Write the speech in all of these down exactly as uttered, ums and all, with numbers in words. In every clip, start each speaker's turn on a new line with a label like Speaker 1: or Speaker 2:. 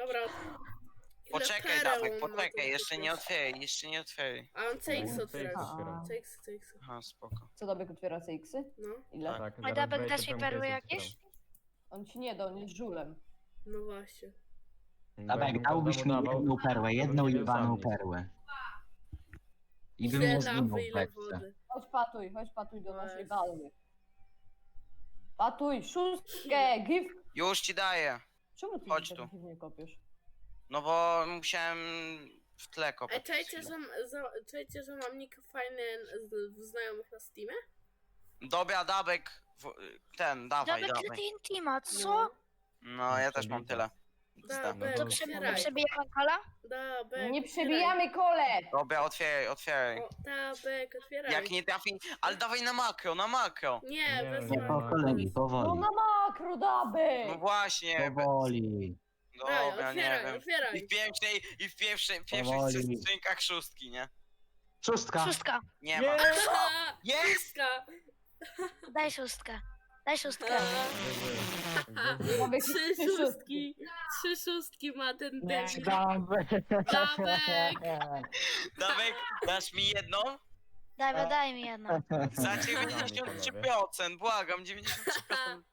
Speaker 1: Dobra. Ile
Speaker 2: Poczekaj,
Speaker 1: pereł
Speaker 2: Dawek,
Speaker 1: on ma
Speaker 2: poczekaj,
Speaker 1: tu
Speaker 2: jeszcze nie
Speaker 1: kupić?
Speaker 2: otwieraj, jeszcze nie otwieraj.
Speaker 1: A on C X
Speaker 3: No,
Speaker 1: otwiera.
Speaker 3: C X otwiera.
Speaker 1: C X, C X.
Speaker 2: Aha, spoko.
Speaker 4: Co Dobek otwiera C X-y?
Speaker 1: No,
Speaker 4: Ile?
Speaker 3: Tak,
Speaker 5: A
Speaker 3: zaraz
Speaker 5: Dabek,
Speaker 3: wejdzie
Speaker 5: dasz mi
Speaker 3: pełny
Speaker 5: perły
Speaker 3: case
Speaker 5: jakieś?
Speaker 4: On ci nie da, on jest żulem.
Speaker 1: no właśnie.
Speaker 3: otwieram.
Speaker 6: Dawek,
Speaker 3: Jakbym
Speaker 6: dałbyś mi
Speaker 3: każdemu dawał,
Speaker 6: jedną perłę,
Speaker 3: to
Speaker 6: jedną
Speaker 3: bym nie
Speaker 6: jebaną
Speaker 3: wiedział
Speaker 6: perłę. I bym
Speaker 1: Ile
Speaker 6: nie zginął
Speaker 1: lawy,
Speaker 6: w
Speaker 1: ile
Speaker 6: beczce.
Speaker 1: wody.
Speaker 4: Chodź patuj, chodź patuj do naszej
Speaker 1: Weź.
Speaker 4: balny. Patuj, szóstkę, give!
Speaker 2: Już ci daję.
Speaker 4: Czemu ty
Speaker 2: Chodź
Speaker 4: tak
Speaker 2: tu.
Speaker 4: dziwnie kopiesz?
Speaker 2: No bo musiałem w tle
Speaker 1: Ej,
Speaker 2: kopać.
Speaker 1: czajcie, że, za, czajcie, że mam nick fajny z, w znajomych na Steamie?
Speaker 2: Dobra, Dabek, w, ten, dawaj,
Speaker 5: Dabek, ile
Speaker 2: dawaj.
Speaker 5: ty intima, co?
Speaker 2: No, ja też mam tyle.
Speaker 1: Dabek,
Speaker 3: to
Speaker 5: Prze-
Speaker 1: otwieraj.
Speaker 5: Przebijamy kola?
Speaker 1: Dabek,
Speaker 4: Nie
Speaker 1: otwieraj.
Speaker 4: przebijamy kole!
Speaker 2: Dobra, otwieraj, otwieraj.
Speaker 1: O, Dabek, otwieraj.
Speaker 2: Jak nie trafi, ale dawaj na makro, na makro.
Speaker 1: Nie,
Speaker 3: Nie,
Speaker 1: bez
Speaker 3: nie,
Speaker 6: Nie, po
Speaker 1: makro.
Speaker 6: kolei,
Speaker 4: No
Speaker 6: powoli.
Speaker 4: na makro, Dabek!
Speaker 2: No właśnie,
Speaker 6: Powoli.
Speaker 1: Daj,
Speaker 2: dobra, nie
Speaker 1: otwieraj,
Speaker 2: wiem. I
Speaker 1: otwieraj.
Speaker 2: w pierwszej, i w pierwszej, w pierwszych
Speaker 6: Powoli.
Speaker 2: skrzynkach szóstki, nie?
Speaker 6: Szóstka.
Speaker 5: Szóstka.
Speaker 2: Nie ma.
Speaker 1: Haha,
Speaker 2: Jest!
Speaker 1: Szóstka.
Speaker 5: Daj szóstkę. Daj szóstkę.
Speaker 4: Dabek,
Speaker 1: Trzy szóstki. Trzy szóstki ma ten
Speaker 6: Nie,
Speaker 1: debil.
Speaker 6: Dawek.
Speaker 1: Dawek.
Speaker 2: Dawek, dasz mi jedną?
Speaker 5: Daj, daj mi jedno.
Speaker 2: Za dziewięćdziesiąt trzy procent, błagam, dziewięćdziesiąt trzy procent.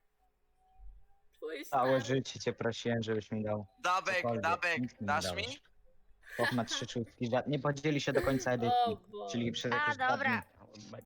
Speaker 1: Twój
Speaker 6: Całe
Speaker 1: stary.
Speaker 6: życie cię prosiłem, żebyś mi dał.
Speaker 2: Dabek,
Speaker 6: Cokolwiek,
Speaker 2: Dabek,
Speaker 6: nic mi nie
Speaker 2: dasz
Speaker 6: dałeś.
Speaker 2: mi?
Speaker 6: Chłop ma trzy szóstki, ża- nie podzieli się do końca
Speaker 1: O
Speaker 6: edycji.
Speaker 1: Boże.
Speaker 6: Czyli przez
Speaker 5: A,
Speaker 6: jakieś dwa
Speaker 5: dobra.
Speaker 6: dni.